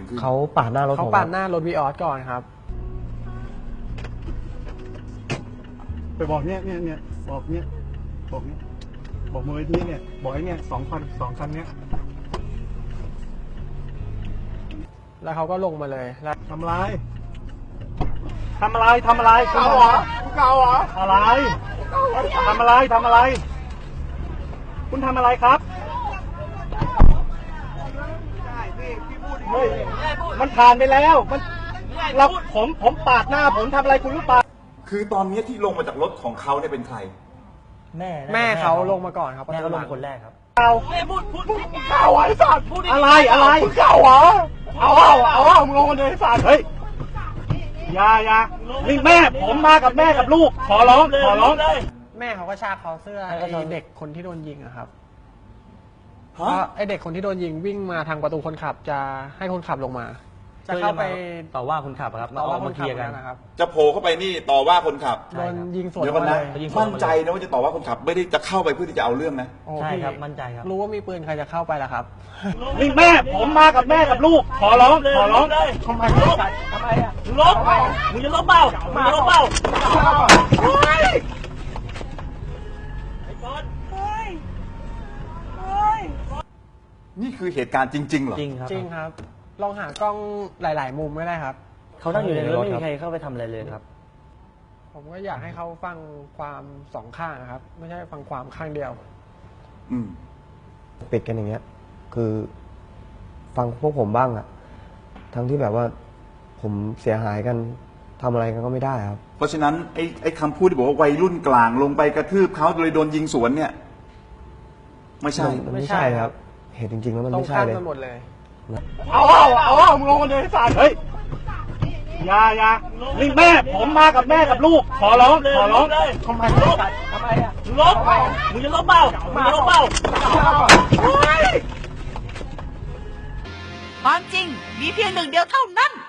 ขึ้นเขาปาดหน้ารถผมเขาปาดหน้ารถวีออสก่อนครับไปบอกเนี่ยบอกเนี่ยบอกมูลนิธิเนี่ยบอกไอ้เนี่ยสองคันเนี้ยแล้วเขาก็ลงมาเลยแล้วทำอะไรเก่าเหรออะไรทำอะไรคุณทำอะไรครับเฮ้ยมันผ่านไปแล้วผมปาดหน้าผมทำอะไรคุณรู้เปล่าคือตอนนี้ที่ลงมาจากรถของเขาเนี่ยเป็นใครแม่เขาลงมาก่อนครับแม่เขาลงคนแรกครับเก่าไอ้สัตว์อะไรมึงเก่าเหรอเอามึงลงมาเลยไอ้สัตว์เฮ้ยอย่านี่แม่ผมมากับแม่กับลูกขอร้องแม่เขาก็ชากคอเสื้อแม่ก็ไอ้ชากเด็กคนที่โดนยิงอะครับฮะไอ้เด็กคนที่โดนยิงวิ่งมาทางประตูคนขับจะให้คนขับลงมา จะเข้าไปต่อว่าคนขับครับต่อว่าเอคนเคขับลียร์กันนะครับจะโผล่เข้าไปนี่ต่อว่าคนขับโดนยิงสวนเดี๋ยวก่อนนะมาเลยยิงมั่นใจนะว่าจะต่อว่าคนขับ ไม่ได้จะเข้าไปเพื่อที่จะเอาเรื่องนะโอ้ใช่พี่ครับมั่นใจครับรู้ว่ามีปืนใครจะเข้าไปล่ะครับนี่แม่ผมมากับแม่กับลูกขอร้องทำไมอะลบมึงจะลบเปล่ามึงจะลบเปล่าไอ้ก้อนเฮ้ยนี่คือเหตุการณ์จริงๆเหรอจริงครับจริงครับ ลองหากล้องหลาย ๆ มุมก็ได้ครับเขานั่งอยู่ในรถไม่มีใครเข้าไปทำอะไรเลยครับผมก็อยากให้เขาฟังความสองข้างนะครับ ไม่ใช่ฟังความข้างเดียวอืมปิดกันอย่างเงี้ย คือฟังพวกผมบ้างอะทั้งที่แบบว่าผมเสียหายกันทำอะไรกันก็ไม่ได้ครับเพราะฉะนั้นไอ้คำพูดที่บอกว่าวัยรุ่นกลางลงไปกระทืบเขาเลยโดนยิงสวนเนี่ย ไม่ใช่มันไม่ใช่ครับ เหตุจริงๆแล้วมันตรงไม่ใช่ข้ามเลยกันหมดเลยเอามึงลงมาเลยไอ้สัตว์เฮ้ยอย่านี่แม่ผมมากับแม่กับลูกขอร้องทำไมอะลบมึงจะลบเปล่ามึงจะลบเปล่าความจริงมีเพียงหนึ่งเดียวเท่านั้น